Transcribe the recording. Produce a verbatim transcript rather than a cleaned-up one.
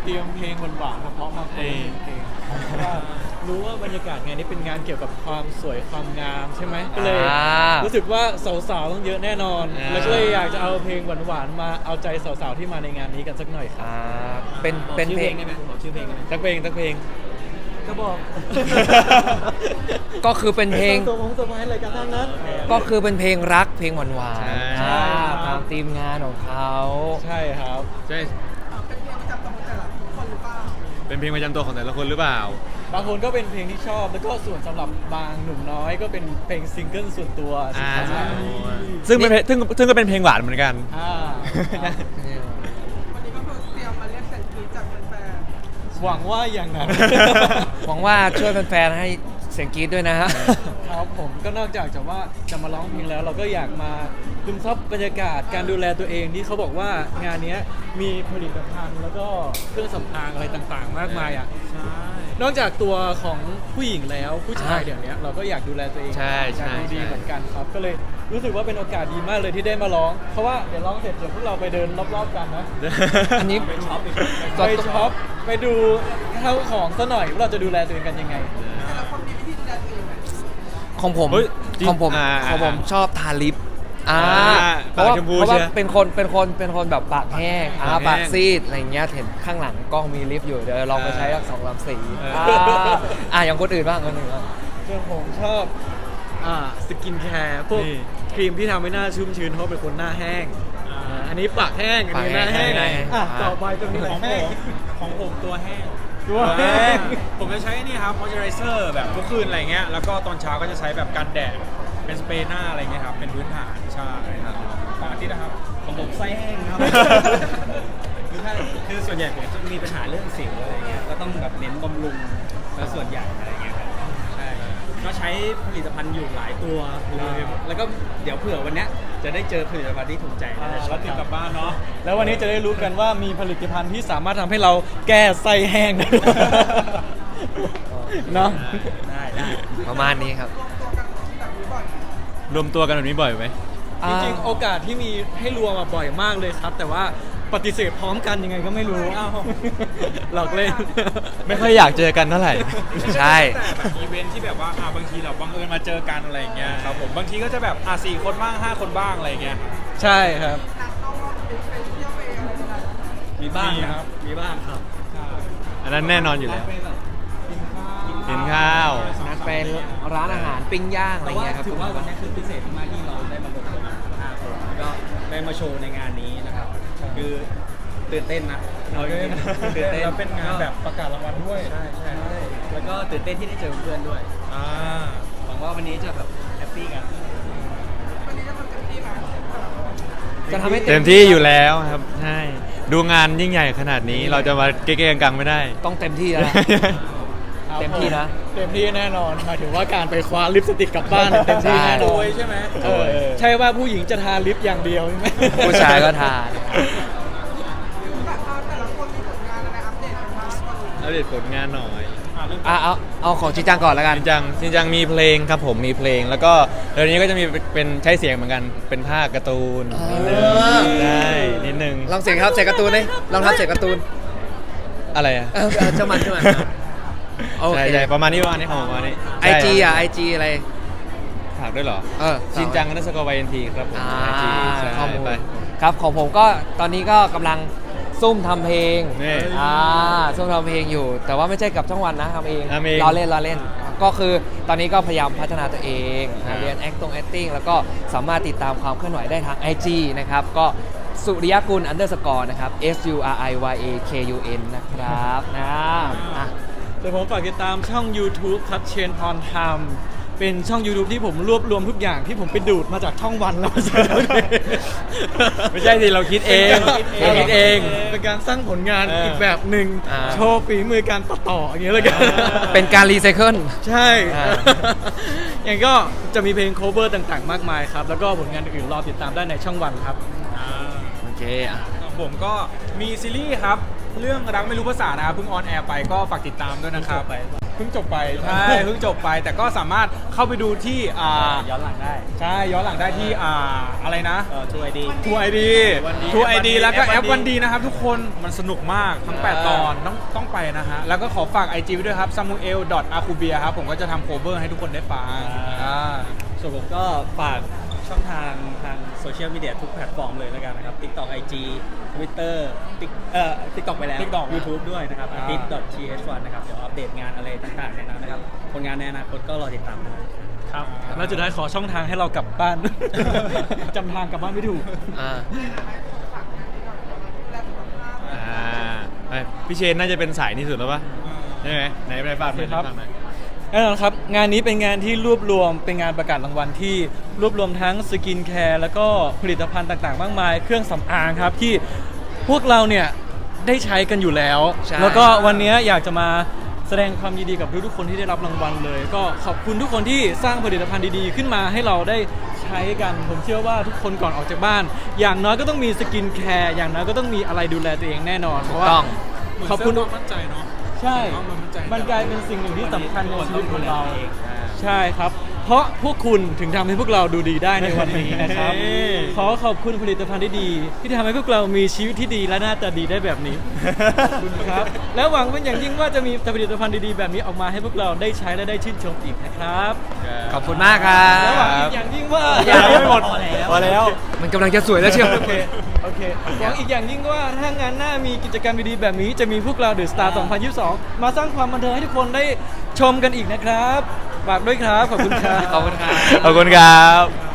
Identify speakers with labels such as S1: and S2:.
S1: เตรียมเพลงหวานๆเพราะๆมาเพลงเพลงเพราะว่ารู้ว่าบรรยากาศงานนี้เป็นงานเกี่ยวกับความสวยความงามใช่ไหมก็เลยรู้สึกว่าสาวๆต้องเยอะแน่นอนแล้วก็เลยอยากจะเอาเพลงหวานๆมาเอาใจสาวๆที่มาในงานนี้กันสักหน่อยครับ
S2: อ่าเป็นเป็นเพลง
S3: ได้ไหมบอกชื่อเพลงได้ไหม
S1: สักเพลงสักเพลงก็บอก
S2: ก็คือเป็นเพลง
S1: ตัวผมสมัยอะไรกันทั้งนั้น
S2: ก็คือเป็นเพลงรักเพลงหวานหวาน
S1: ใช่
S2: ตามธีมงานของเขา
S1: ใช่ครับ
S3: ใช่เป็นเพลงประจำตัวของแต่ละคนหรือเปล่า
S1: บางคนก็เป็นเพลงที่ชอบแล้วก็ส่วนสำหรับบางหนุ่มน้อยก็เป็นเพลงซิงเกิลส่วนตัว
S3: อ่า
S1: ใช่
S3: ซึ่งเป็นเพลงซึ่งซึ่งก็เป็นเพลงหวานเหมือนกัน
S1: อ่าครับ
S4: วันนี้ก็คือเตรียมมาเรียกเสียงกรี๊ดจากแฟน
S1: หวังว่าอย่างนั้น
S2: หวังว่าช่วยแฟนๆให้เสียงกรี๊ดด้วยนะฮะ
S1: ครับผมก็นอกจากจะว่าจะมาร้องเพลงแล้ว เราก็อยากมาซึมซับบรรยากาศการดูแลตัวเองที่เขาบอกว่างานเนี้ยมีผลิตภัณฑ์แล้วก็เครื่องสำอางอะไรต่างๆ มากมายอ่ะ
S3: ใช่
S1: นอกจากตัวของผู้หญิงแล้วผู้ชาย
S2: อ่า
S1: เดี๋ยวนี้เราก็อยากดูแลตัวเอง
S3: ใช่ใช่
S1: อยากดูดี
S3: ใช่
S1: เหมือนกันครับ ก็เลยรู้สึกว่าเป็นโอกาสดีมากเลยที่ได้มาร้อง เพราะว่าเดี๋ยวร้องเสร็จเดี๋ยวพวกเราไปเดินรอบๆกันนะ
S2: อันนี้
S1: ไปช็อปไปช็อปไปดูเข้าของซะหน่อยว่าเราจะดูแลตัวเองกันยังไง
S4: ๆแต่ละคนมีวิธีดูแลตัวเองไหม
S2: ของผม
S3: เฮ้ยจริง
S2: ของผม
S3: อ่า
S2: ของผมชอบทาลิปอ่า
S3: อ่า
S2: เพราะว่า
S3: ปากชมพู
S2: เพราะว่า
S3: ใช่ไหม
S2: เป็นคนเป็นคนเป็นคนแบบปากแห้งอ่า
S3: ปากแห้ง
S2: ปากซีดอะไรเงี้ยเห็นข้างหลังกล้องมีลิปอยู่เดี๋ยวลองไปใช้สักสองสามสี
S3: เอออ่
S2: าอ่าอย่างคนอื่นบ้างคนอื่นบ้าง
S1: ส่วนผมชอบอ่าสกินแคร์พวก
S3: นี่
S1: ครีมที่ทำให้หน้าชุ่มชื้นเพราะเป็นคนหน้าแห้งอ่าอันนี้ปากแห้งอันนี้หน้าแห้ง
S2: ปากแห้ง
S1: อ่ะ
S2: อ่า
S1: ต่อไปตรงนี้
S5: ของ
S1: แห้
S5: ผ
S1: ง
S5: มของผมตัวแห้ง
S1: ตัวแห้ง
S5: ผมจะใช้นี่ครับ moisturizer แบบทุกคืนอะไรเงี้ย แล้วก็ตอนเช้าก็จะใช้แบบกันแดด เป็นสเปรย์หน้าอะไรเงี้ยครับ เป็นพื้นฐานใช่ครับตามอาทิตย์นะครับ ของผมไส้แห้งครับ คือถ้าคือส่วนใหญ่ผมจะมีปัญหาเรื่องสิวอะไรเงี้ย ก็ต้องแบบเน้นบำรุงแล้วส่วนใหญ่อะไรเงี้ยครับ ใช่ ก็ใช้ผลิตภัณฑ์อยู่หลายตัวเลย แล้วก็เดี๋ยวเผื่อวันเนี้ยจะได้เจอผลิตภัณฑ์ที่ถูกใจ
S1: อ่า
S5: แล้วก็ติดกลับบ้านเนาะ
S1: แล้ววันนี้จะได้รู้กันว่ามีผลิตภัณฑ์ที่สามารถทำให้เราแก้ไส้แห้งได้เนาะ
S5: ได้ได้
S2: ประมาณนี้ครับ
S4: รวมตัวกันแบบนี้บ่อยไหม
S3: รวมตัวกันแบบนี้บ่อยไหม
S1: จริงๆ โอกาสที่มีให้รวมมาบ่อยมากเลยครับ แต่ว่าปฏิเสธพร้อมกันยังไงก็ไม่รู้หลอกเล่น
S3: ไม่ค่อยอยากเจอกันเท่าไหร่
S2: ใช่
S5: แต่แบบอีเวนท์ที่แบบว่าอ่าบางทีเราบังเอิญมาเจอกันอะไรอย่างเงี้ยครับผมบางทีก็จะแบบอ่าสี่คนบ้างห้าคนบ้างอะไรอย่างเงี้ย
S1: ใช่ครับ
S4: นัดเข้ารอบเป็นไปเที่ยวไปอะไรกันได้
S5: มีบ้างนะครับ มีบ้างครับ
S3: อันนั้นแน่นอนอยู่แล้ว
S5: ไปแบบกินข้าว
S3: กินข้าว
S2: นัดเป็นร้านอาหารปิ้งย่างอะไร
S5: แต่ว่า
S2: เงี้ยครับ
S5: ถือว่าวันนี้คือพิเศษมากที่เราได้มารวมตัวกันห้าคนแล้วก็ได้มาโชว์ในงานนี้นะครับ คือตื่นเต้นนะเอาจริงๆตื่นเต้น
S1: แล้วเป็นงานแบบประกาศรางวัลด้วย
S5: ใช่ใช่ใช่แล้วก็ตื่นเต้นที่ได้เจอเพื่อนด้วย
S1: อ่า
S5: หวังว่าวันนี้จะแบบแฮปปี้กัน
S4: วันนี้จะทำเต็มที่ไหม
S2: จะทำให้
S3: เต็มที่อยู่แล้วครับ ใช่ ดูงานยิ่งใหญ่ขนาดนี้เราจะมาเก๊ๆกังๆไม่ได้
S2: ต้องเต็มที่แล้วนะ เต็มที่นะ
S1: เต็มที่แน่นอนหมายถึงว่าการไปคว้าลิปสติกกลับบ้านเต็มที่แน่น
S5: โด
S1: อน
S5: ยใช่ไหม
S1: เออใช่ว่าผู้หญิงจะทาลิปอย่างเดียวใช่ไหม
S2: ผู้ชายก็ทาน
S4: แต่เอาแต่ละคนมีผลงานอะไรอัปเดตกันบ้าง
S3: อัปเดตผลงานหน่อย
S2: อ่ะเอาเอาของจริงจังก่อนแล้วกัน
S3: จริงจังจริงจังมีเพลงครับผมมีเพลง แล้วก็เดี๋ยวนี้ก็จะมีเป็นใช้เสียงเหมือนกันเป็นภาคการ์ตูนนิดนึง
S2: อ่า
S3: ได้นิดนึง
S2: ลองเสียงครับเสียงการ์ตูนดิลองทำเสียงการ์ตูน
S3: อะไรอ่ะ
S2: เออเออเจ้ามันเจ้ามันโอ
S3: ใช่
S2: เค
S3: ใช่ประมาณนี้ประมาณนี้ของผมประมาณนี้
S2: ไอจีอ่ะไอจีอะไร
S3: ฝากด้วยเหรอ
S2: เออ
S3: ชินจังนัสกอร์วายเอ็นทีครับผม
S2: อ่า
S3: ไอจีใช่
S2: ข้อมูล
S3: ไป
S2: ครับของผมก็ตอนนี้ก็กำลังซุ่มทำเพลง
S3: นี่
S2: อ่าซุ่มทำเพลงอยู่ แต่ว่าไม่ใช่กับช่องวันนะทำเอง
S3: ทำเอง
S2: รอเล่นรอเล่น ก็คือตอนนี้ก็พยายามพัฒนาตัวเอง
S3: ครับ
S2: เรียน acting acting แล้วก็สามารถติดตามความเคลื่อนไหวได้ทาง ไอ จี นะครับ ก็สุริยกุล underscore นะครับ S U R I Y A K U N นะครับนะอ่ะ
S1: เดี๋ยวผมฝากติดตามช่อง YouTube ครับเชนพรไทม์เป็นช่อง YouTube ที่ผมรวบรวมทุกอย่างที่ผมไปดูดมาจากช่องวันแล้วมาใส่ในเพลง
S3: ไม่ใช่สิเราคิดเอง
S1: เรา
S3: เรา
S1: คิ
S3: คิ
S1: ด
S3: ด
S1: เอ
S3: เอง ง
S1: เป็นการสร้างผลงาน
S3: เอออี
S1: อีกแบบหนึ่ง
S2: อ่า
S1: โชว์ฝีมือการตัดต่ออย่างเงี้ยเลยกัน
S2: เป็นการรีไซเคิล
S1: ใช่
S2: อ่า
S1: อย่างก็จะมีเพลง cover ต่างๆ มากมายครับ แล้วก็ผลงานอื่นๆรอติดตามได้ในช่องวันครับ
S2: โอเคอ่ะ
S5: ผมก็มีซีรีส์ครับ เรื่องรักไม่รู้ภาษานะครับเพิ่งออนแอร์ไปก็ฝากติดตามด้วยนะครับเพิ่งจบไปใช่เพิ่งจบไปแต่ก็สามารถเข้าไปดูที่อ่า
S1: ย้อนหลังได้
S5: ใช่ย้อนหลังได้ที่อ่าอะไรนะ
S1: เออทูไอดี
S5: ทูไอดี
S1: วันดี
S5: ทูไอดี
S1: แอป
S5: แล้วก็
S1: วันดี
S5: แอปวันดีนะครับทุกคนมันสนุกมากทั้ง แปด ตอนต้องต้องไปนะฮะ แล้วก็ขอฝาก ไอ จี ไว้ด้วยครับ samuel a k u b i a ครับ ผมก็จะทำโคเวอร์ให้ทุกคนได้ฟังอ่า
S1: ส่วนผมก็ฝากช่องทางทางโซเชียลมีเดียทุกแพลตฟอร์มเลยแล้วกันนะครับ TikTok ไอ จี Twitter ติ๊กเอ่อ TikTok ไปแล้ว
S5: TikTok
S1: YouTube ด้วยนะครับ
S5: อ่า
S1: อาทิตย์ ที เอช วัน นะครับ เดี๋ยวอัปเดตงานอะไรต่างๆในนั้นนะครับ ผลงานในอนาคตก็รอติดตามได้ครับแล้วจุดท้ายขอช่องทางให้เรากลับบ้าน จำทางกลับบ้านไม่ถูก
S2: อ่า
S3: อ่าไปพี่เชนน่าจะเป็นสายนี้สุดแล้วปะใช่ไหมไหนไปฝากหน่อย
S1: ครับ
S3: ฝากหน่อย
S1: แน่นอนครับงานนี้เป็นงานที่รวบรวมเป็นงานประกาศรางวัลที่รวบรวมทั้งสกินแคร์แล้วก็ผลิตภัณฑ์ต่างๆ มากมาย เครื่องสำอางครับที่พวกเราเนี่ยได้ใช้กันอยู่แล้ว
S2: ใช่
S1: แล้วก็วันนี้อยากจะมาแสดงความยินดีกับทุกๆคนที่ได้รับรางวัลเลย ก็ขอบคุณทุกคนที่สร้างผลิตภัณฑ์ดีๆขึ้นมาให้เราได้ใช้กัน ผมเชื่อว่าทุกคนก่อนออกจากบ้าน อย่างน้อยก็ต้องมีสกินแคร์อย่างน้อยก็ต้องมีอะไรดูแลตัวเองแน่นอนเพราะว่า
S2: ต้อง
S1: ขอบคุณ
S5: เหมืนเสริมความมั่นใจเนาะ
S1: ใช่
S5: ความมั่นใจ
S1: มันกลายเป็นสิ่งหนึ่งที่สำคัญในชีวิตของเรา ใช่ครับ เพราะพวกคุณถึงทำให้พวกเราดูดีได้ในวันนี้นะครับ
S5: เฮ้ย
S1: ขอขอบคุณผลิตภัณฑ์ที่ดี ที่ทำให้พวกเรามีชีวิตที่ดีและหน้าตาดีได้แบบนี้ ขอบคุณครับ และหวังเป็นอย่างยิ่งว่าจะมีผลิตภัณฑ์ดีๆแบบนี้ออกมาให้พวกเราได้ใช้และได้ชื่นชมอีกนะครับ
S2: ขอบคุณมากครั
S1: และหวังอี
S2: บ
S1: กอย่างยิ่งว่า
S2: ยังไม่หมด
S1: พอแล้ว
S2: มันกำลังจะสวยแล้วเชียว
S1: โอเค โอเคหวังอีกอย่างยิ่งว่าถ้างานหน้ามีกิจกรรมดีๆแบบนี้จะมีพวกเราเดอะสตาร์สองพันยี่สิบสองมาสร้างความบันเทิงให้ทุกคนได้ชมกันอีกนะครับฝากด้วยครับ ขอบคุณครับ
S2: ขอบคุณครับ
S3: ขอบคุณครับ